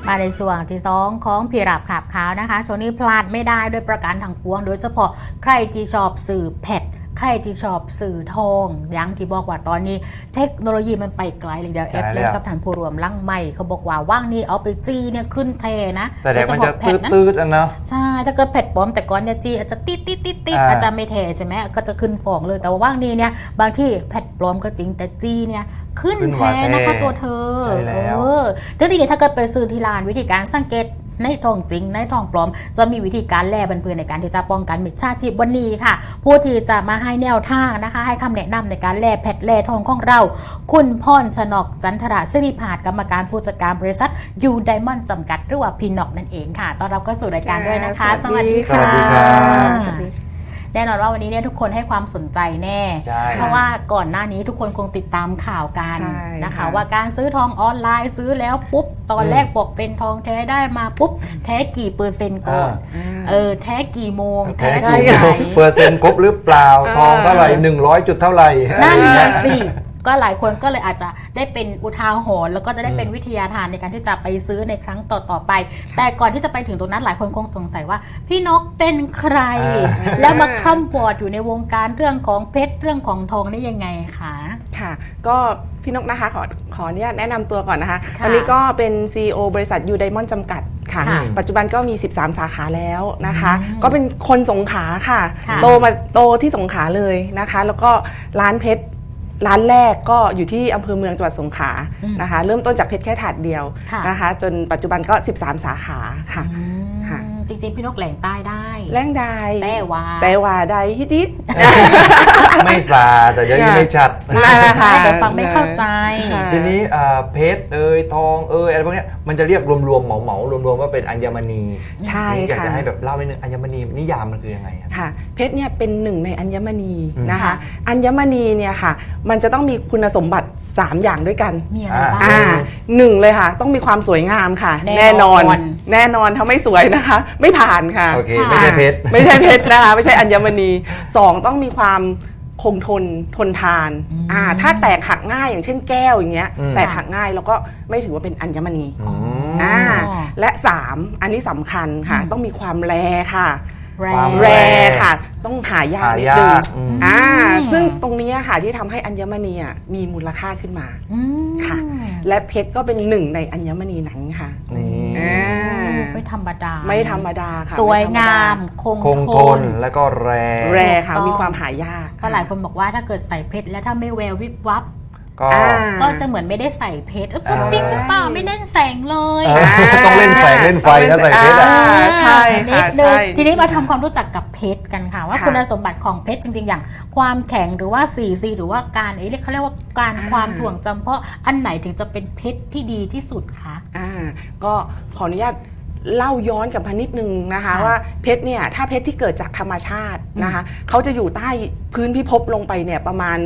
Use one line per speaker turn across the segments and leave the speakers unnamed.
มาในช่วงที่2ของพี่รับขับขาวนะคะช่วงนี้พลาดไม่ได้ด้วยประการทางปวงโดยเฉพาะใครที่ชอบสื่อแพทใครที่ชอบสื่อทองอย่างที่บอกว่าตอนนี้เทคโนโลยีมันไปไกลเลยเดี๋ยวเอฟเลยกับฐานผู้รวมลั่งใหม่เขาบอกว่าว่างนี้เอาไปจี้เนี่ยขึ้นเทนะ
แต่เดี๋ยวมันจะตืดๆอ่ะเนาะ
ใช่ถ้าเกิดแพทปลอมแต่ก่อนเนี่ยจี้อาจจะติดอาจจะไม่เทใช่ไหมก็จะขึ้นฟองเลยแต่ว่าว่างนี้เนี่ยบางที่แพทปลอมก็จริงแต่จี้เนี่ยขึ้นแท้นะคะตัวเธอ
ใช่แล้ว
ทีนี้ถ้าเกิดไปซื้อที่ร้านวิธีการสังเกตในทองจริงในทองปลอมจะมีวิธีการแลบันเพือนในการที่จะป้องกันมิจฉาชีพวันนี้ค่ะผู้ที่จะมาให้แนวทางนะคะให้คำแนะนำในการแลแพทแลทองของเราคุณพรชนกจันทระศิริพาสกรรมการผู้จัดการบริษัทยูไดมอนด์จำกัดหรือว่าพีน็อกนั่นเองค่ะต้อนรับเข้าสู่รายการด้วยนะคะสวัสดีค่ะแน่นอนว่าวันนี้เนี่ยทุกคนให้ความสนใจแน่เพราะว่าก่อนหน้านี้ทุกคนคงติดตามข่าวกันนะคะว่าการซื้อทองออนไลน์ซื้อแล้วปุ๊บตอนแรกบอกเป็นทองแท้ได้มาปุ๊บแท้กี่เปอร์เซ็นต์ก่อนแท้กี่โมง
แท้กี่เปอร์เซ็นต์ครบหรือเปล่าทองเท่าไหร่100จุดเท่าไหร่
นั่นแหละสิก็หลายคนก็เลยอาจจะได้เป็นอุทาหรณ์แล้วก็จะได้เป็นวิทยาทานในการที่จะไปซื้อในครั้งต่อไปแต่ก่อนที่จะไปถึงตรงนั้นหลายคนคงสงสัยว่าพี่นกเป็นใครแล้วมาคร่ำวอดอยู่ในวงการเรื่องของเพชรเรื่องของทองได้ยังไงคะ
ค่ะก็พี่นกนะคะขออนุญาตแนะนำตัวก่อนนะคะตอนนี้ก็เป็น CEO บริษัทยูไดมอนด์จำกัดค่ะปัจจุบันก็มี13สาขาแล้วนะคะก็เป็นคนสงขลาค่ะโตที่สงขลาเลยนะคะแล้วก็ร้านเพชรร้านแรกก็อยู่ที่อำเภอเมืองจังหวัดสงขลานะคะเริ่มต้นจากเพชรแค่ถาดเดียวนะคะจนปัจจุบันก็13สาขาค่ะ
จริงๆพี่นกแหล่งใต้ได้
แหล่งได้
แต่
ว่าได้ฮิดิ
ไม่ซาแต่ยังไม่ชัด
แต่ฟังไม่เข้าใจ
ทีนี้เพชรทองอะไรพวกนี้มันจะเรียกรวมๆเหมารวมๆว่าเป็นอัญมณี
ใช่ค่ะ
อยากจะให้แบบเล่านิดนึงอัญมณีนิยามมันคือยังไง
ค่ะเพชรเนี่ยเป็นหนึ่งในอัญมณีนะคะอัญมณีเนี่ยค่ะมันจะต้องมีคุณสมบัติ3อย่างด้วยกัน
มีอะไรบ้าง
หนึ่งเลยค่ะต้องมีความสวยงามค่ะแน่นอนถ้าไม่สวยนะคะไม่ผ่านค่ะ
โอเคไม่ใช่เพชร
นะคะไม่ใช่อัญมณี2ต้องมีความคงทนทานถ้าแตกหักง่ายอย่างเช่นแก้วอย่างเงี้ยแตกหักง่ายแล้วก็ไม่ถือว่าเป็นอัญมณีและ3อันนี้สำคัญค่ะต้องมีความแรค่ะแรค่ะต้องหายากนิดนึงซึ่งตรงนี้ค่ะที่ทำให้อัญมณีมีมูลค่าขึ้นมาค่ะและเพชรก็เป็นหนึ่งในอัญมณีนั้นค่ะ
ไม่ธรรม
ดาค่ะ
สวยงามคง
ทนแล้วก็แร
ค่ะมีความหายาก
เพราะหลายคนบอกว่าถ้าเกิดใส่เพชรแล้วถ้าไม่แวววิบวับก็จะเหมือนไม่ได้ใส่เพชรจริงหรือเปล่าไม่เล่นแสงเลย
ต้องเล่นแสงเล่นไฟนะใส่เพชร
ใช่
นิดนึงทีนี้มาทำความรู้จักกับเพชรกันค่ะว่าคุณสมบัติของเพชรจริงๆอย่างความแข็งหรือว่า4Cหรือว่าการเขาเรียกว่าการความถ่วงจำเพาะอันไหนถึงจะเป็นเพชรที่ดีที่สุดคะ
ก็ขออนุญาตเล่าย้อนกลับมานิดนึงนะคะว่าเพชรเนี่ยถ้าเพชรที่เกิดจากธรรมชาตินะคะเขาจะอยู่ใต้พื้นพิภพลงไปเนี่ยประมาณ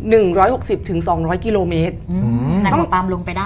160-200กิโลเมตร
ต้องตามลงไปได้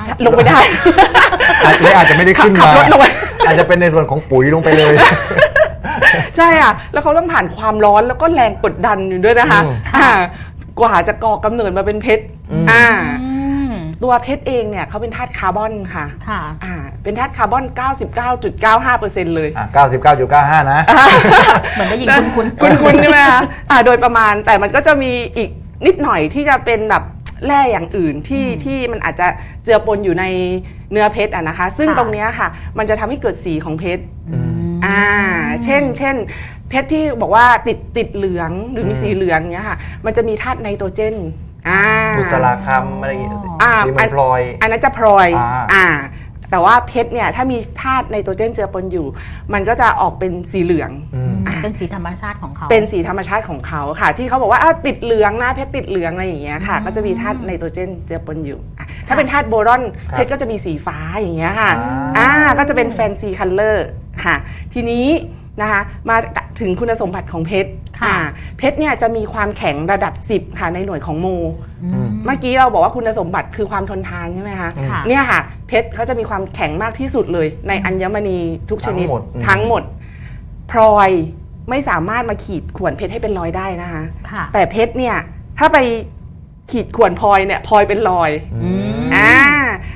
อาจจะไม่ได้ขึ้นมาอาจจะเป็นในส่วนของปุ๋ยลงไปเลย
ใช่อ่ะแล้วเขาต้องผ่านความร้อนแล้วก็แรงกดดันอยู่ด้วยนะคะกว่าจะก่อกำเนิดมาเป็นเพชรตัวเพชรเองเนี่ยเขาเป็นธาตุคาร์บอนค่ะเป็นธาตุคาร์บอน 99.95% เลย
99.95 นะ
เหมือนได้ยิน
คุ้นใช่ไหมคะโดยประมาณแต่มันก็จะมีอีกนิดหน่อยที่จะเป็นแบบแร่อย่างอื่นที่มันอาจจะเจือปนอยู่ในเนื้อเพชรนะคะซึ่งตรงนี้ค่ะมันจะทำให้เกิดสีของเพชรเช่นเพชรที่บอกว่าติดเหลืองหรือมีสีเหลืองเนี้ยค่ะมันจะมีธาตุไนโตรเจน
บุษราคำอะไรอย่างเงี้ยที่มันพลอย
อันนั้นจะพลอยแต่ว่าเพชรเนี่ยถ้ามีธาตุไนโตรเจนเจือปนอยู่มันก็จะออกเป็นสีเหลือง
เป็นสีธรรมชาติของเขา
เป็นสีธรรมชาติของเขาค่ะที่เขาบอกว่าติดเหลืองนะเพชรติดเหลืองอะไรอย่างเงี้ยค่ะก็จะมีธาตุไนโตรเจนเจือปนอยู่ถ้าเป็นธาตุโบรอนเพชรก็จะมีสีฟ้าอย่างเงี้ยค่ะก็จะเป็นแฟนซีคัลเลอร์ค่ะทีนี้นะคะมาถึงคุณสมบัติของเพชรเพชรเนี่ยจะมีความแข็งระดับ10ค่ะในหน่วยของโมเมื่อกี้เราบอกว่าคุณสมบัติคือความทนทานใช่ไหมคะเนี่ยค่ะเพชรเขาจะมีความแข็งมากที่สุดเลยในอัญมณีทุกชนิดทั้งหมดพลอยไม่สามารถมาขีดข่วนเพชรให้เป็นรอยได้นะคะแต่เพชรเนี่ยถ้าไปขีดข่วนพลอยเนี่ยพลอยเป็นรอย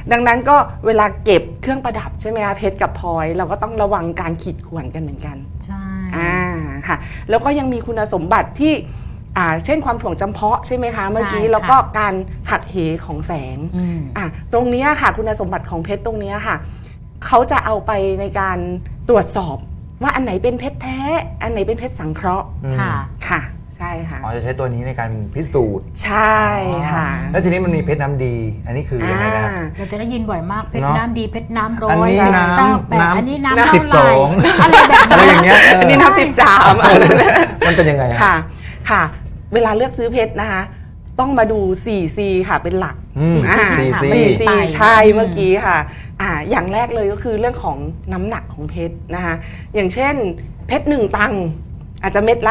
ดังนั้นก็เวลาเก็บเครื่องประดับใช่ไหมคะเพชรกับพลอยเราก็ต้องระวังการขีดข่วนกันเหมือนกัน
ใช่
ค่ะแล้วก็ยังมีคุณสมบัติที่เช่นความถ่วงจำเพาะใช่ไหมคะเมื่อกี้
ใช่ค่ะ
แล้วก็การหักเหของแสง
อืม
ตรงนี้ค่ะคุณสมบัติของเพชรตรงนี้ค่ะเขาจะเอาไปในการตรวจสอบว่าอันไหนเป็นเพชรแท้อันไหนเป็นเพชรสังเคราะห์
ค่ะ
ค่ะใช่ค่ะ
อ๋อจะใช้ตัวนี้ในการพิสูจน์
ใช่ค่ะ
แล้วทีนี้มันมีเพชรน้ำดี อันนี้คือยังไงนะ
เราจะได้ยินบ่อยมากเพชร
เนอะ
น้ำดีเพชรน้ำร้อย
อันนี้น้ำ
เก้าแปด
น้ำ
อันนี้น้ำ
น้ำ
เท่าไหร่
12
อะไรแบบ
อะไร
นั้น
อย่างเงี้ย
อันนี้นับ13
มันเป็นยังไงอะ
ค่ะค่ะ เวลาเลือกซื้อเพชรนะคะต้องมาดู 4C ค่ะเป็นหลัก
4C
4C ใช่เมื่อกี้ค่ะอย่างแรกเลยก็คือเรื่องของน้ำหนักของเพชรนะคะอย่างเช่นเพชร1ตังค์อาจจะเม็ดละ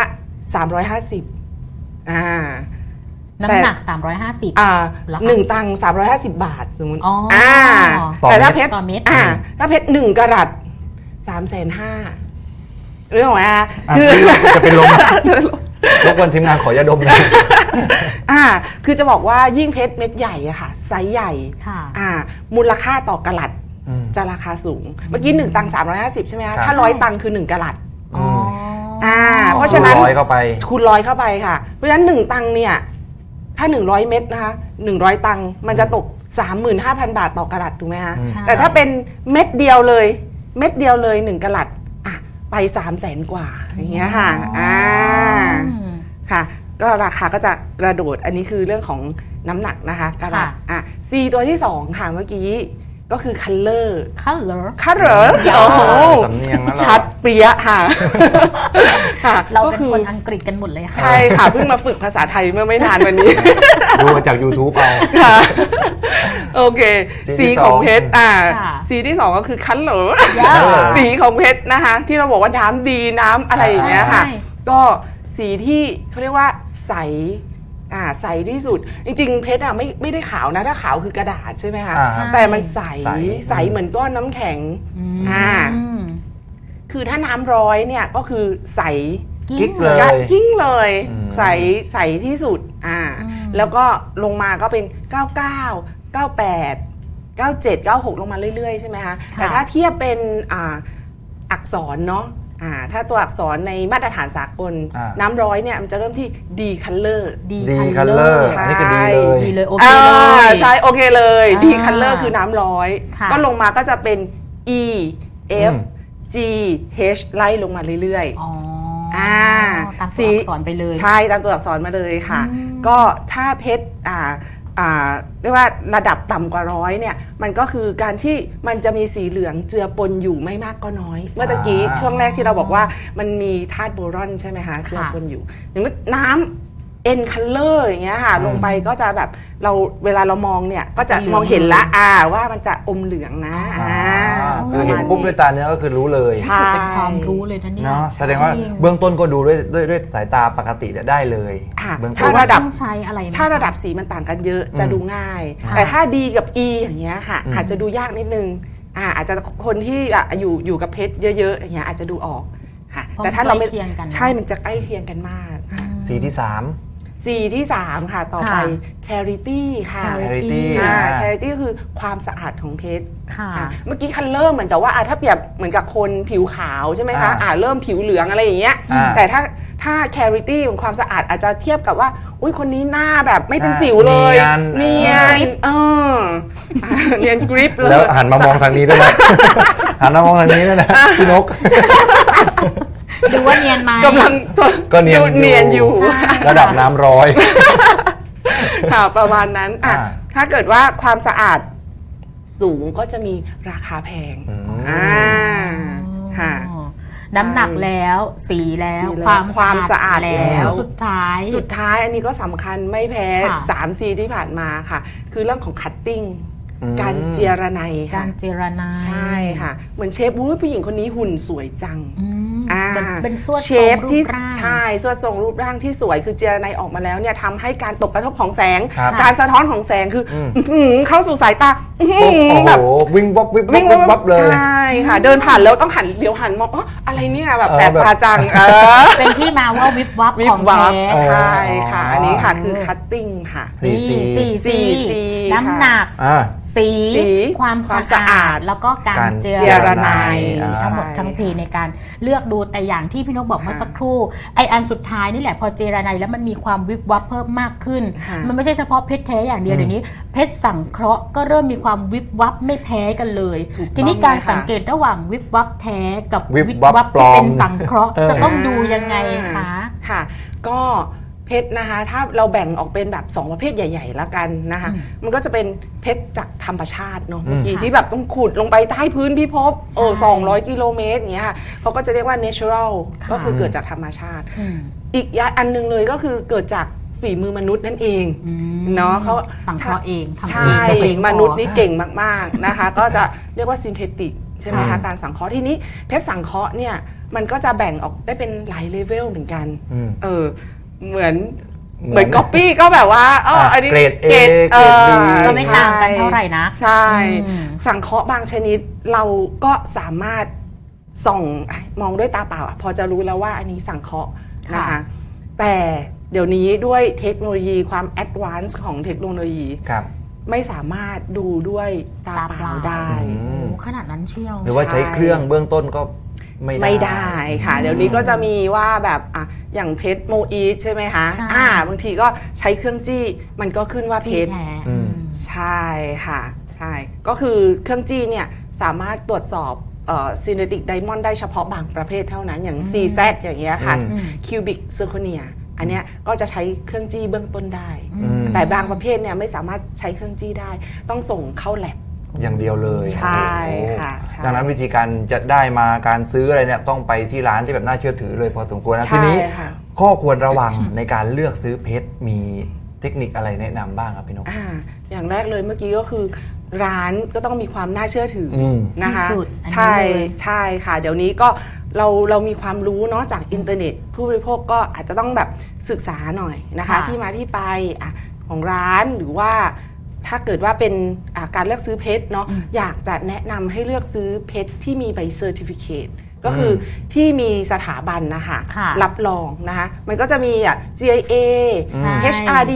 350
น้ำหนัก 350 เหรอคะ
1ตังค์350 บาทสมมติ
อ๋อ
ต่อ
แต่ถ้า
เม็ด
เพชร
ต่อเม็ด
ถ้าเพชร1กะรัต350,000เรื่องของคือ
จะเป็นลมรบกวนทีมงานขอยาดมหนะ
คือจะบอกว่ายิ่งเพชรเม็ดใหญ่อะค่ะไซส์ใหญ่
ค่ะ
มูลค่าต่อกะรัตจะราคาสูง เมื่อกี้1ตังค์350ใช่ไหมคะถ้า100ตังค์คือ1กะรัต
อ๋อ
เพราะฉะนั้น
ร้อยเข้าไป
คูณ100เข้าไปค่ะเพราะฉะนั้น1ตังค์เนี่ยถ้า100เม็ดนะคะ100ตังค์มันจะตก 35,000 บาทต่อกะรัตถูกไหมคะ
ใช่
แต่ถ้าเป็นเม็ดเดียวเลย1กะรัตไป300,000 กว่าอย่างเงี้ยค่ะค่ะก็ราคาก็จะกระโดดอันนี้คือเรื่องของน้ำหนักนะคะกระดับC ตัวที่2ค่ะเมื่อกี้ก็คือ color
color
โอ้โห
สำเนียงนะเรา
ชัดเปรี้ยค่ะค่ะ
เรา
ก็
เป็น
คือ
คนอังกฤษกันหมดเลยค่ะ
ใช่ค่ะเพิ่งมาฝึกภาษาไทยเมื่อไม่นานวันนี้
ดูมาจาก YouTube เอา
ค่ะโอเค
สี
สี
ที่
ของ
2
เพชร
ค่ะ
สีที่2ก็คือคันเหลอ
Color
สีของเพชรนะคะที่เราบอกว่าน้ำดีน้ำอะไรอย่างเงี้ยค่ะ
ใช่
ก็สีที่เขาเรียกว่าใสใสที่สุด จริงๆเพชรไม่ได้ขาวนะถ้าขาวคือกระดาษใช่ไหมคะ
ใช่
แต่มันใส
ใส
ใสเหมือนก้อนน้ำแข็ง
อืม
คือถ้าน้ำร้อยเนี่ยก็คือใส
กิ๊กเลย
กิ้งเลย
อืม
ใสที่สุดแล้วก็ลงมาก็เป็น 99 98 97 96 ลงมาเรื่อยๆใช่ไหมคะ
ค่ะ
แต่ถ้าเทียบเป็นอักษรเนาะถ้าตัวอักษรในมาตรฐานสากลน้ำร้อยเนี่ยมันจะเริ่มที่ D color
ดี
ดีคัลเลอร์
ใช่
อันนี้ก็ดีเลย
ดีเลยโอเคเลย
ใช่โอเคเลย D
อ่า
color คือน้ำร้อย
ค่ะ
ก็ลงมาก็จะเป็น E F
อืม
G H ไล่ลงมาเรื่อยๆ
อ๋อ
ตาม
ตามตัวอักษรไปเลย
ใช่ตามตัวอักษรมาเลยค่ะ
อืม
ก็ถ้าเพชรเรียกว่าระดับต่ำกว่า100เนี่ยมันก็คือการที่มันจะมีสีเหลืองเจือปนอยู่ไม่มากก็น้อย เมื่อตะกี้ช่วงแรกที่เราบอกว่ามันมีธาตุโบรอนใช่ไหมคะเจือปนอยู่อย่างน้ำN color อย่างเงี้ยค่ะลงไปก็จะแบบเวลาเรามองเนี่ยก็จะมองเห็นละว่ามันจะอมเหลืองนะ
คือเห็นปุ๊บด้วยตาเนื้อก็คือรู้เลย
ใช่
เป็นความรู้เลยท่านเนี่ย
เนาะแสดงว่าเบื้องต้นก็ดูด้วยสายตาปกติได้เลย เบื้องต้
ถ้าน ระดับ
ต้องใช้อะไรไหม
ถ้าระดับสีมันต่างกันเยอะจะดูง่าย
ค่ะ
แต่ถ้า D กับ E อย่างเงี้ยค่ะ
อืม
อาจจะดูยากนิดนึงอาจจะคนที่อยู่กับเพชรเยอะๆอย่างเงี้ยอาจจะดูออกค่ะ
เพราะ
แต่ถ้าเราไม่
ใกล้เคียงกัน
ใช่มันจะใกล้เคียงกันมากค่ะ
สีที่
C ที่ 3 ค่ะ ต่อไป Clarity ค่ะ
Clarity
Clarity คือความสะอาดของเพชร
ค่ะ
เมื่อกี้คันเริ่มเหมือนกับว่าถ้าเปรียบเหมือนกับคนผิวขาวใช่ไหมคะเริ่มผิวเหลืองอะไรอย่างเงี้ยแต่ถ้า clarity ของความสะอาดอาจจะเทียบกับว่าอุ้ยคนนี้หน้าแบบไม่เป็นสิวเลย
เนียน
เนียนกริปเลย
แล้วหันมามองทางนี้ด้วยนะ หันมามองทางนี้ด้วยนะพี่นก
ดูว่าเนียนไหม
กำลัง
ก็เนียน
เนียนอยู่
ระดับน้ำร้อย
ค่ะประมาณนั้นถ้าเกิดว่าความสะอาดสูงก็จะมีราคาแพงค่ะ
น้ำหนักแล้วสีแล้ว
สีแล้ว
ความ
ความสะอาดแล้ว
สุดท้าย
สุดท้ายอันนี้ก็สำคัญไม่แพ้
ค่ะ
3C ที่ผ่านมาค่ะ คือเรื่องของคัตติ้ง
อืม
การเจียระไนค่ะ
การเจรนาย
ใช่ค่ะ เหมือนเชฟผู้หญิงคนนี้หุ่นสวยจัง
อืมเป็นสวด
เช
ทรง
ฟ
รู
ที่
ปร่าง
ใช่สวดทรงรูปร่างที่สวยคือเจรไนออกมาแล้วเนี่ยทำให้การตกกระทบของแสง
ครับ
การสะท้อนของแสงคือออื้อหือเข้าสู่สายตาอื้อหื
โอ้
อ
โห
แบบ
วิ่งวับวิบวับวิบวับเลย
ใช่ค่ะ เดินผ่านแล้วต้องหันเลี้ยวหันมองอ๋ออะไรเนี่ยแบบแสบ
แบบ
ตาจัง
เป็นที่มาว่าวิบวับ
วิ
ข
บ
อง
วับ
แท้
ใช่ค่ะ
อ๋ออั
อันนี้ค่ะคือคัตติ้งค่ะ
นี่
4C
4C น้ำหนัก
อ่า
สีสี ความสะอาดแล้วก็การเจรไนทั้งหมดทั้งเพในการเลือกดูแต่อย่างที่พี่นกบอกเมื่อสักครู่ไออันสุดท้ายนี่แหละพอเจรไนแล้วมันมีความวิบวับเพิ่มมากขึ้นมันไม่ใช่เฉพาะเพชรแท้อย่างเดียวเดี๋ยวนี้เพชรสังเคราะห์ก็เริ่มมีความวิบวับไม่แพ้กันเลยทีนี้การสังเกตระหว่างวิบวับแท้กับวิบวับที่เป็นสังเคราะห์จะต้องดูยังไงคะ
ค่ะก็เพชรนะคะถ้าเราแบ่งออกเป็นแบบ2ประเภทใหญ่ๆแล้วกันนะคะมันก็จะเป็นเพชรจากธรรมชาติเนาะเมื่อกี้ที่แบบต้องขุดลงไปใต้พื้นพิภพ200 กิโลเมตรอย่างเงี้ยเขาก็จะเรียกว่า natural ก็คือเกิดจากธรรมชาติอีกอันนึงเลยก็คือเกิดจากฝีมือมนุษย์นั่นเองเนาะเขา
สังเคราะห์เอง
ใช่มนุษย์นี่เก่งมากๆนะคะก็จะเรียกว่า synthetic ใช่ไหมคะการสังเคราะห์ที่นี้เพชรสังเคราะห์เนี่ยมันก็จะแบ่งออกได้เป็นหลายเลเวลเหมือนกันเหมือนก๊อปปี้ก็แบบว่าอันนี้
เกรด A เกรด B
ก็ไม่ต่างกันเท่าไหร่นะ
ใช่สังเคราะห์บางชนิดเราก็สามารถส่องมองด้วยตาเปล่าพอจะรู้แล้วว่าอันนี้สังเคราะห์นะคะแต่เดี๋ยวนี้ด้วยเทคโนโลยีความแอดวานซ์ของเทคโนโลยีไม่สามารถดูด้วยตาเปล่าได้
ขนาดนั้นเชียว
หรือว่าใช้เครื่องเบื้องต้นก็ไม่ได้
ค่ะเดี๋ยวนี้ก็จะมีว่าแบบอย่างเพชรโมอีใช่ไหมคะบางทีก็ใช้เครื่องจี้มันก็ขึ้นว่าเพชรใช่ค่ะใช่ก็คือเครื่องจี้เนี่ยสามารถตรวจสอบsynthetic diamond ได้เฉพาะบางประเภทเท่านั้นอย่าง CZ อย่างเงี้ยค่ะ cubic zirconia อันเนี้ยก็จะใช้เครื่องจี้เบื้องต้นได้แต่บางประเภทเนี่ยไม่สามารถใช้เครื่องจี้ได้ต้องส่งเข้าแลบ
อย่างเดียวเลย
ใช่ค่ะ
ดังนั้นวิธีการจะได้มาการซื้ออะไรเนี่ยต้องไปที่ร้านที่แบบน่าเชื่อถือเลยพอสมควรนะทีนี้ข้อควรระวังในการเลือกซื้อเพชรมีเทคนิคอะไรแนะนำบ้างครับพี่นก
อย่างแรกเลยเมื่อกี้ก็คือร้านก็ต้องมีความน่าเชื่อถือนะคะใช่ค่ะเดี๋ยวนี้ก็เรามีความรู้เนาะจากอินเทอร์เน็ตผู้บริโภคก็อาจจะต้องแบบศึกษาหน่อยนะคะที่มาที่ไปของร้านหรือว่าถ้าเกิดว่าเป็นการเลือกซื้อเพชรเนาะอยากจะแนะนำให้เลือกซื้อเพชรที่มีใบเซอร์ติฟิเคตก็คือที่มีสถาบันนะคะรับรองนะคะมันก็จะมีGIA HRD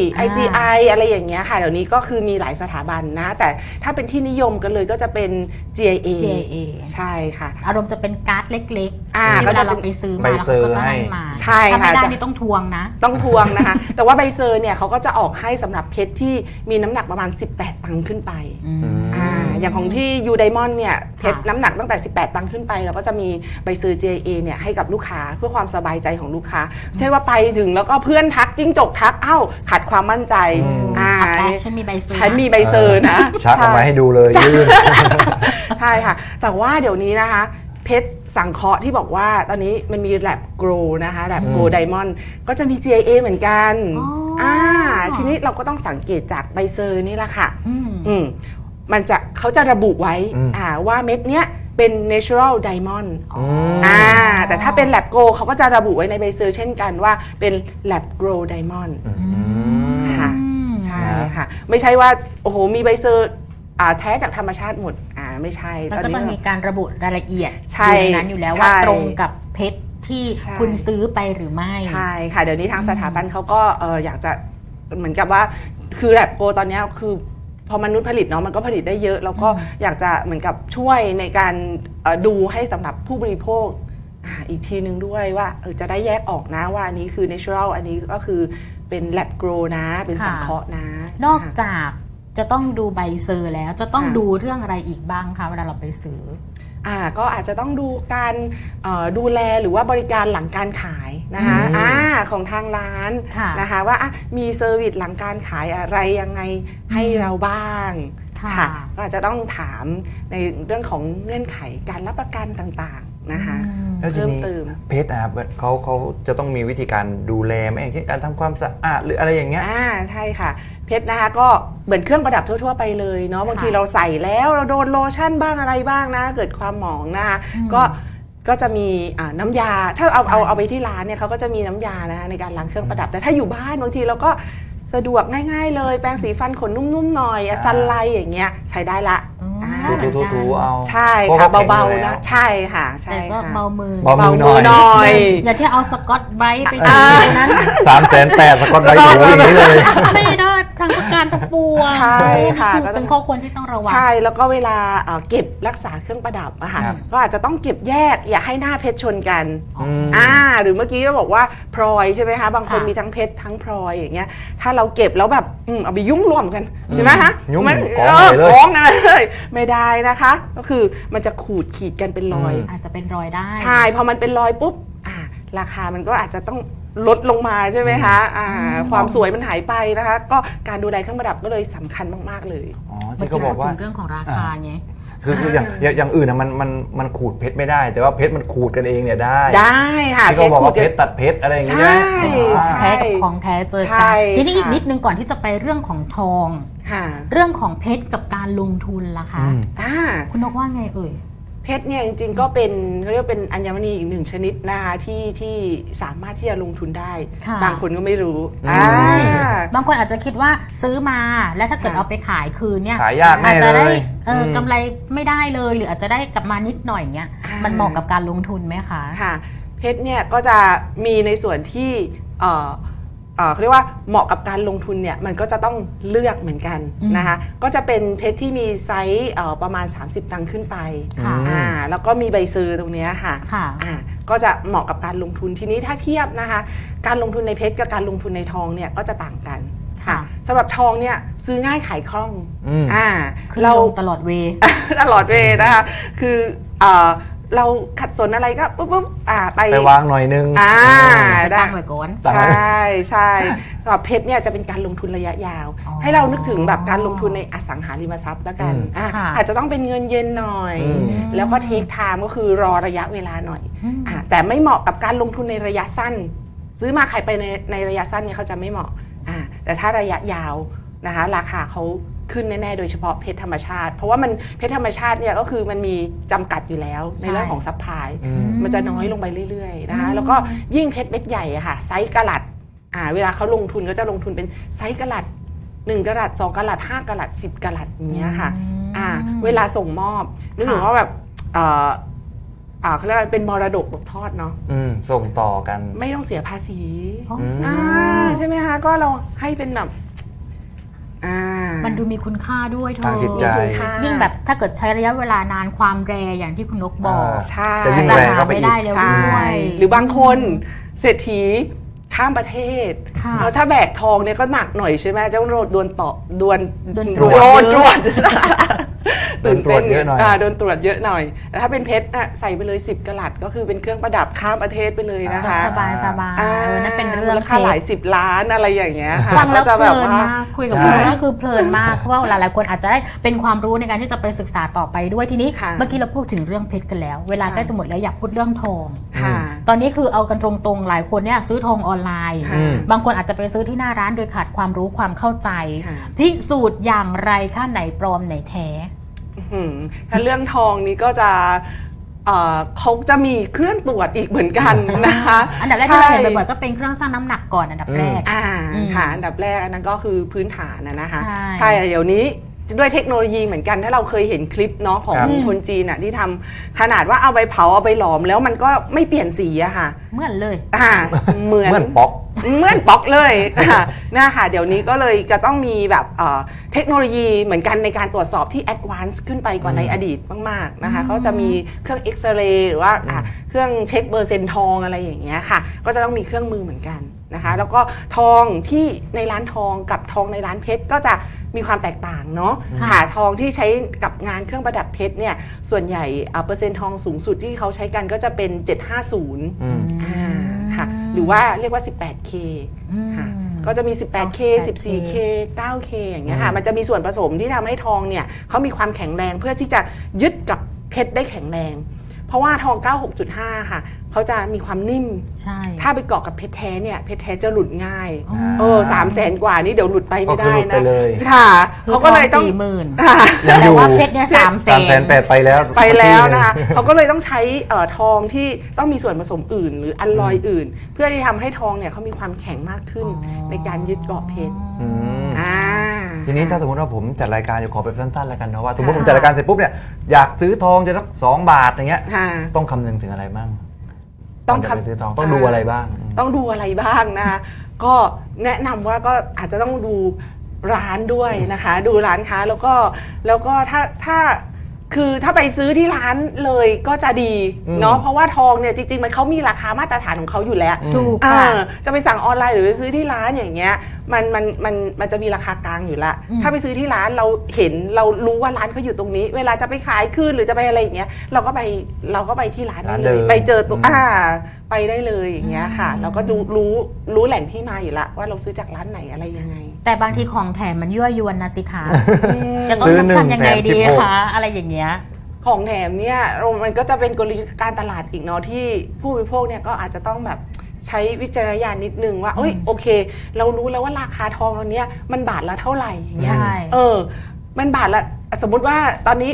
IGI อะไรอย่างเงี้ยค่ะเดี๋ยวนี้ก็คือมีหลายสถาบันนะแต่ถ้าเป็นที่นิยมกันเลยก็จะเป็น GIA ใช่ค่ะ
อารมณ์จะเป็นการ์ดเล็กๆเวลาเราไปซื้อมาแล้วก็จะให้มา
ใช่ค่ะ
ถ้าไม่ได้นี่ต้องทวงนะ
ต้องทวงนะคะแต่ว่าใบเซอร์เนี่ยเขาก็จะออกให้สำหรับเพชรที่มีน้ำหนักประมาณ18ตังค์ขึ้นไปอย่างของที่ยูไดมอนด์เนี่ยเพชรน้ำหนักตั้งแต่18ตังค์ขึ้นไปเราก็จะมีใบเซอร์ GIA เนี่ยให้กับลูกค้าเพื่อความสบายใจของลูกค้าไม่ใช่ว่าไปถึงแล้วก็เพื่อนทักจิ้งจกทักขาดความมั่นใจ
ฉันมีใบเซอร์
ฉันมีใบเซอร์นะ
ชักออกมาให้ดูเลยยื่น
ใช่ค่ะแต่ว่าเดี๋ยวนี้นะคะเพชรสังเคราะห์ที่บอกว่าตอนนี้มันมีแลบโกลนะคะแลบโกลไดมอนด์ก็จะมี GIA เหมือนกันทีนี้เราก็ต้องสังเกตจากใบเซอร์นี่แหละค่ะมันจะเขาจะระบุไว้ว่าเม็ดเนี้ยเป็น natural diamond แต่ถ้าเป็น lab grow เขาก็จะระบุไว้ในใบเซอร์เช่นกันว่าเป็น lab grow diamond ค่ะใช่ค่ะไม่ใช่ว่าโอ้โหมีใบเซอร์แท้จากธรรมชาติหมดไม่ใช่
มันก็จะมีการระบุรายละเอียดอยู่ในนั้นอยู่แล้วว่าตรงกับเพชรที่คุณซื้อไปหรือไม่
ใช่ค่ะเดี๋ยวนี้ทางสถาบันเขาก็อยากจะเหมือนกับว่าคือ lab grow ตอนนี้คือพอมนุษย์ผลิตเนาะมันก็ผลิตได้เยอะแล้วก็อยากจะเหมือนกับช่วยในการดูให้สำหรับผู้บริโภคอีกทีนึงด้วยว่าจะได้แยกออกนะว่าอันนี้คือ natural อันนี้ก็คือเป็น lab grow นะเป็นสังเคราะห์นะ
นอกจากจะต้องดูใบเซอร์แล้วจะต้องดูเรื่องอะไรอีกบ้างคะเวลาเราไปซื้อ
ก็อาจจะต้องดูการดูแลหรือว่าบริการหลังการขายนะคะของทางร้านนะคะว่ามีเซอร์วิสหลังการขายอะไรยังไงให้เราบ้างค่ะก็อาจจะต้องถามในเรื่องของเงื่อนไขการรับประกันต่างๆนะคะ
แล้วทีนี้เพชรนะครับเขาจะต้องมีวิธีการดูแลไหมอย่างเช่นการทำความสะอาดหรืออะไรอย่างเงี้ย
ใช่ค่ะเพชรนะคะก็เหมือนเครื่องประดับทั่วๆไปเลยเนาะบางทีเราใส่แล้วเราโดนโลชั่นบ้างอะไรบ้างนะเกิดความหมองนะคะก็จะมีน้ำยาถ้าเอาไปที่ร้านเนี่ยเขาก็จะมีน้ำยานะคะในการล้างเครื่องประดับแต่ถ้าอยู่บ้านบางทีเราก็สะดวกง่ายๆเลยแปรงสีฟันขนนุ่มๆหน่อยซันไลท์อย่างเงี้ยใช้ได้ละ
ถูเอา
ใช่ค่ะเบาๆนะใช่ค่ะใช่
แต่ก็เบามือ
หน่อย
อย่าที่เอาสกอตไบรท์ไปดูนั้น
300,000สกอตไบรท์ถูอย่างนี้เลย
ไม่ได้ทั้งอาการทั้งปวง
ใช่ค่ะ
นี่คือเป็นข้อควรที่ต้องระวัง
ใช่แล้วก็เวลาเก็บรักษาเครื่องประดับอะค่ะ
ครับ
ก็อาจจะต้องเก็บแยกอย่าให้หน้าเพชรชนกัน
ม
หรือเมื่อกี้ก็บอกว่าพลอยใช่ไหมคะบางคน
ค่ะ
มีทั้งเพชรทั้งพลอยอย่างเงี้ยถ้าเราเก็บแล้วแบบเอาไปยุ่งรวมกันเห็นไหมคะ
ยุ่ง
มัน
กองใหญ่เลย
กองนั่นเลยไม่ได้นะคะ ก็คือมันจะขูดขีดกันเป็นรอย
อาจจะเป็นรอยได้
ใช่พอมันเป็นรอยปุ๊บราคามันก็อาจจะต้องลดลงมาใช่ไหมคะความสวยมันหายไปนะคะ ก็การดูแลเครื่องประดับก็เลยสำคัญมากๆเลย
อ๋อ
เมื่อ
ที่
กี้
เขาบอกว่า
เราถึงเรื่องของราคาไง
คืออย่างอื่นนะมันขูดเพชรไม่ได้ แต่ว่าเพชรมันขูดกันเองเนี่ยได้
ได้ค่ะ
ที่เขาบอกว่า
ขูด
เพชรตัดเพชรอะไรอย่างเงี้ย
ใช่
ใช่ไหม
แท้กับของแท้เจอ
ใช่
กันทีนี้อีก
ค่ะ
นิดนึงก่อนที่จะไปเรื่องของทอง
ค่ะ
เรื่องของเพชรกับการลงทุนล่ะคะ
อืม
คุณนกว่าไงเอ่ย
เพชรเนี่ยจริงๆก็เป็นเขาเรียกว่าเป็นอัญมณีอีกหนึ่งชนิดนะคะที่สามารถที่จะลงทุนได้
ค่ะ
บางคนก็ไม่รู้
บางคนอาจจะคิดว่าซื้อมาแล้วถ้าเกิด
ค่ะ
เอาไปขายคืนเนี่ย
ขายยากแน่
อาจจะได้
เลย
กำไรไม่ได้เลยหรืออาจจะได้กลับมานิดหน่อยเงี้ยมันเหมาะกับการลงทุนไหมคะ
ค่ะเพชรเนี่ยก็จะมีในส่วนที่เขาเรียกว่าเหมาะกับการลงทุนเนี่ยมันก็จะต้องเลือกเหมือนกันนะคะก็จะเป็นเพชรที่มีไซส์ประมาณ 30 ตังค์ขึ้นไป
ค่ะ
แล้วก็มีใบซื้อตรงเนี้ยค่ะ
ค่ะ
ก็จะเหมาะกับการลงทุนทีนี้ถ้าเทียบนะคะการลงทุนในเพชรกับการลงทุนในทองเนี่ยก็จะต่างกัน
ค่ะ
สำหรับทองเนี่ยซื้อง่ายขายคล่อง
คือ
เรา
ลงตลอดเว
ตลอดเวลานะคะคือเราขัดสนอะไรก็ปุ๊บไป
ไปวางหน่อยนึง
ไปตั้งไว้ก่อน
ตั้ง
ใช
ไว้
่สำหรับเพชรเนี่ยจะเป็นการลงทุนระยะยาว
อ๋อ
ให้เรานึกถึงแบบการลงทุนในอสังหาริมทรัพย์แล้วกัน
ค่ะ
อาจจะต้องเป็นเงินเย็นหน่อย แล้วก็เทคไทม์ก็คือรอระยะเวลาหน่อย แต่ไม่เหมาะกับการลงทุนในระยะสั้น ซื้อมาขายไปในระยะสั้นเนี่ยเขาจะไม่เหมาะแต่ถ้าระยะยาวนะคะราคาเขาขึ้นแน่ๆโดยเฉพาะเพชรธรรมชาติเพราะว่ามันเพชรธรรมชาติเนี่ยก็คือมันมีจำกัดอยู่แล้วในเรื่องของซัพพลายมันจะน้อยลงไปเรื่อยๆนะคะแล้วก็ยิ่งเพชรเม็ดใหญ่อะค่ะไซส์กะรัตเวลาเขาลงทุนก็จะลงทุนเป็นไซส์กะรัต1กะรัต2กะรัต5กะรัต10กะรัตอย่างเงี้ยค่ะเวลาส่งมอบนึกถึงว่าแบบเขาเรียกว่าเป็นมรดกตกทอดเนาะ
ส่งต่อกัน
ไม่ต้องเสียภาษี
อ๋อ
ใช่ไหมคะก็เราให้เป็นแบบ
มันดูมีคุณค่าด้วยเธอ
ทางจิตใจ
ยิ่งแบบถ้าเกิดใช้ระยะเวลานานความแรอย่างที่คุณนกบอก
ใช่
จะยิ่ง
จะ
แรง
หา
เข้าไป
ไม่
อีก
ได้แล้ว
ใช่
ด้วย
หรือบางคนเศรษฐีข้ามประเทศ
ค่ะ
แล้วถ้าแบกทองเนี่ยก็หนักหน่อยใช่ไหมเจ้าโดนต่อดวน
โดน
ตรวจ
ตรวจ
โดนตรวจเยอะหน่อย
โดนตรวจเยอะหน่อยแต่ถ้าเป็นเพชรใส่ไปเลย10กะรัตก็คือเป็นเครื่องประดับข้ามประเทศไปเลยนะคะ
สบายนั่นเป็นเรื่อง
มูลค่าหลาย10 ล้านอะไรอย่างเงี้ยค่ะ
ฟังแล้ว
ก็จะ
เพ
แบบ
ลิน
ว่า
มากคุยกับคุณก็คือเพลินมากเพราะว่าหลายๆคนอาจจะได้เป็นความรู้ในการที่จะไปศึกษาต่อไปด้วยทีนี้
ค่ะ
เมื่อกี้เราพูดถึงเรื่องเพชรกันแล้ว เวลาใกล้จะหมดแล้วอยากพูดเรื่องทอง
ค่ะ
ตอนนี้คือเอากันตรงๆหลายคนเนี่ยซื้อทองออนไลน์
ค่ะ
บางคนอาจจะไปซื้อที่หน้าร้านโดยขาดความรู้ความเข้าใจ
ค่ะ
พิสูจน์อย่างไรค่าไหนปลอมไหนแท้
ถ้าเรื่องทองนี้ก็จะเขาจะมีเครื่องตรวจอีกเหมือนกันนะคะ
อันดับแรกที่เราเห็นบ่อยๆก็เป็นเครื่องชั่งน้ำหนักก่อนอันดับแรก
ค่ะอันดับแรกอันนั้นก็คือพื้นฐานนะคะ
ใช่
ใช่เดี๋ยวนี้ด้วยเทคโนโลยีเหมือนกันถ้าเราเคยเห็นคลิปเนาะของ
ครับ
คนจีนอะที่ทำขนาดว่าเอาไปเผาเอาไปหลอมแล้วมันก็ไม่เปลี่ยนสีอะค่ะ
เหมือนเลย
เหมือน
เหมือนป๊อก
เหมือนป๊อกเลยนะคะเดี๋ยวนี้ก็เลยจะต้องมีแบบเทคโนโลยีเหมือนกันในการตรวจสอบที่แอดวานซ์ขึ้นไปกว่าในอดีตมากๆนะคะก็จะมีเครื่องเอ็กซเรย์หรือว่าเครื่องเช็คเปอร์เซ็นต์ทองอะไรอย่างเงี้ยค่ะก็จะต้องมีเครื่องมือเหมือนกันนะคะแล้วก็ทองที่ในร้านทองกับทองในร้านเพชรก็จะมีความแตกต่างเนาะ
ค่ะ
ค่ะทองที่ใช้กับงานเครื่องประดับเพชรเนี่ยส่วนใหญ่เปอร์เซ็นต์ทองสูงสุดที่เขาใช้กันก็จะเป็น 750ค่ะหรือว่าเรียกว่า 18K ค่ะก็จะมี 18K 14K 9K อย่างเงี้ยค่ะมันจะมีส่วนผสมที่ทำให้ทองเนี่ยเขามีความแข็งแรงเพื่อที่จะยึดกับเพชรได้แข็งแรง เพราะว่าทอง 96.5 ค่ะเขาจะมีความนิ่ม
ใช่
ถ้าไปเกาะกับเพชรแท้เนี่ยเพชรแท้จะหลุดง่าย
อ๋อ
300,000 กว่านี่เดี๋ยวหลุดไปไม่ได้
ก็คือหลุด
นะ
ไปเลย
ค่ะ
คือ
เขาก็เลยต้อง
40,000
ค่ะ
ยังอ
แต่
ยู่
ว่าเพชรเนี่ย300,000
380,000ไปแล้ว
ไปแล้วนะคะเขาก็เลยต้องใช้ทองที่ต้องมีส่วนผสมอื่น หรืออัลลอยอื่น เพื่อที่ทำให้ทองเนี่ยเขามีความแข็งมากขึ้น ในการยึดเกาะเพชร
อืม
อ่า
ทีนี้ถ้าสมมติว่าผมจัดรายการอยู่ขอแบบสั้นๆแล้วกันเนาะว่าสมมติผมจัดรายการเสร็จปุ๊บเนี่ยอยากซื้อทองจะสัก2 บาทอย่างเงี้ย
ค่ะ
ต้องคำนึงถึงอะไรบ้าง
ต้อง
ก่นจะไปซื้อทองต้องดูอะไรบ้าง
ต้องดูอะไรบ้างนะคะก็แนะนำว่าก็อาจจะต้องดูร้านด้วยนะคะ ดูร้านค้าแล้วก็ถ้าไปซื้อที่ร้านเลยก็จะดีเนาะเพราะว่าทองเนี่ยจริงๆมันเขามีราคามาตรฐานของเขาอยู่แล้ว
ถูกค่ะ
จะไปสั่งออนไลน์หรือไปซื้อที่ร้านอย่างเงี้ยมันจะมีราคากลางอยู่ละถ้าไปซื้อที่ร้านเราเห็นเรารู้ว่าร้านเขาอยู่ตรงนี้ เวลาจะไปขายคืนหรือจะไปอะไรอย่างเงี้ยเราก็ไปที่ร้านได้เลยไปเจอตัวไปได้เลยอย่างเงี้ยค่ะเราก็รู้แหล่งที่มาอยู่ละว่าเราซื้อจากร้านไหนอะไรยังไง
แต่บางทีของแถมมันยั่วยวนนะสิคะจะต้องทำยังไงดีคะอะไรอย่างเงี้ย
ของแถมเนี่ยมันก็จะเป็นกลยุทธ์การตลาดอีกเนาะที่ผู้บริโภคเนี่ยก็อาจจะต้องแบบใช้วิจารณญาณนิดนึงว่าโอเคเรารู้แล้วว่าราคาทองตอนนี้มันบาทละเท่าไหร่อย่างเงี้ยมันบาทละสมมุติว่าตอนนี้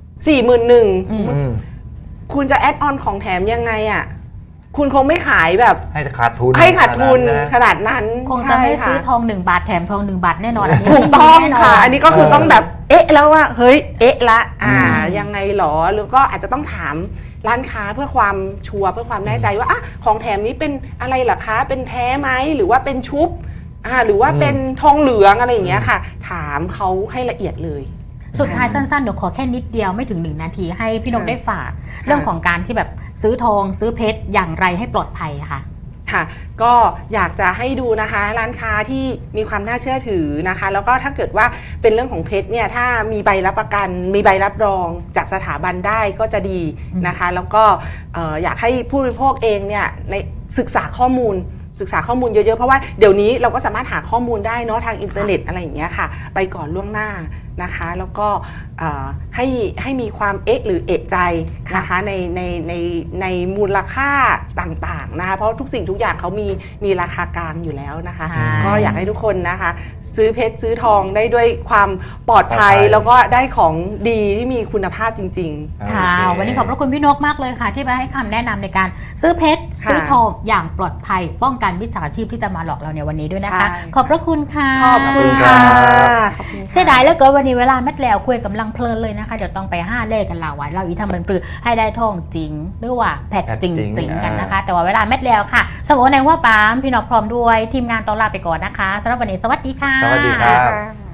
41,000คุณจะแอดออนของแถมยังไงอ่ะคุณคงไม่ขายแบบ
ให้ขาดทุน
ขนาดนั้น
คงจะไม่ซื้อทอง1 บาทแถมทอง1 บาทแน่นอน
ถูกต้องค่ะอันนี้ก็คือต้องแบบแล้วว่าเฮ้ยละยังไงหรอหรือก็อาจจะต้องถามร้านค้าเพื่อความชัวร์เพื่อความแน่ใจว่าของแถมนี้เป็นอะไรเหรอคะเป็นแท้ไหมหรือว่าเป็นชุบหรือว่าเป็นทองเหลืองอะไรอย่างเงี้ยค่ะถามเขาให้ละเอียดเลย
สุดท้ายสั้นๆเดี๋ยวขอแค่นิดเดียวไม่ถึง1 นาทีให้พี่นกได้ฝากเรื่องของการที่แบบซื้อทองซื้อเพชรอย่างไรให้ปลอดภัยค่ะ
ก็อยากจะให้ดูนะคะร้านค้าที่มีความน่าเชื่อถือนะคะแล้วก็ถ้าเกิดว่าเป็นเรื่องของเพชรเนี่ยถ้ามีใบรับประกันมีใบรับรองจากสถาบันได้ก็จะดีนะคะแล้วก็อยากให้ผู้บริโภคเองเนี่ยในศึกษาข้อมูลเยอะๆเพราะว่าเดี๋ยวนี้เราก็สามารถหาข้อมูลได้เนาะทางอินเทอร์เน็ตอะไรอย่างเงี้ยค่ะไปก่อนล่วงหน้านะคะแล้วก็ให้มีความหรือใจนะคะในมูลค่าต่างๆนะคะเพราะทุกสิ่งทุกอย่างเขามีราคากลางอยู่แล้วนะคะก็อยากให้ทุกคนนะคะซื้อเพชรซื้อทองได้ด้วยความปลอดภัยแล้วก็ได้ของดีที่มีคุณภาพจริง
ๆค่ะวันนี้ขอบพระคุณพี่นกมากเลยค่ะที่มาให้คำแนะนำในการซื้อเพชรซื้อทองอย่างปลอดภัยป้องกันมิจฉาชีพที่จะมาหลอกเราในวันนี้ด้วยนะคะขอบพระคุณค่ะ
ขอบคุณค่ะ
เสียดายแล้วก็วันนี้เวลาแมทแล้วคุยกำลังเพลินเลยนะคะเดี๋ยวต้องไป5 เลขกันเราไว้เราอีทำมันปลือให้ได้ทองจริงหรือว่าแพทจริงกันนะคะแต่ว่าเวลาแมทแล้วค่ะสมมติในว่าปามพี่นกพร้อมด้วยทีมงานต้อนรับไปก่อนนะคะสำหรับวันนี้สวัสดีค่ะ
สวัสดีครับ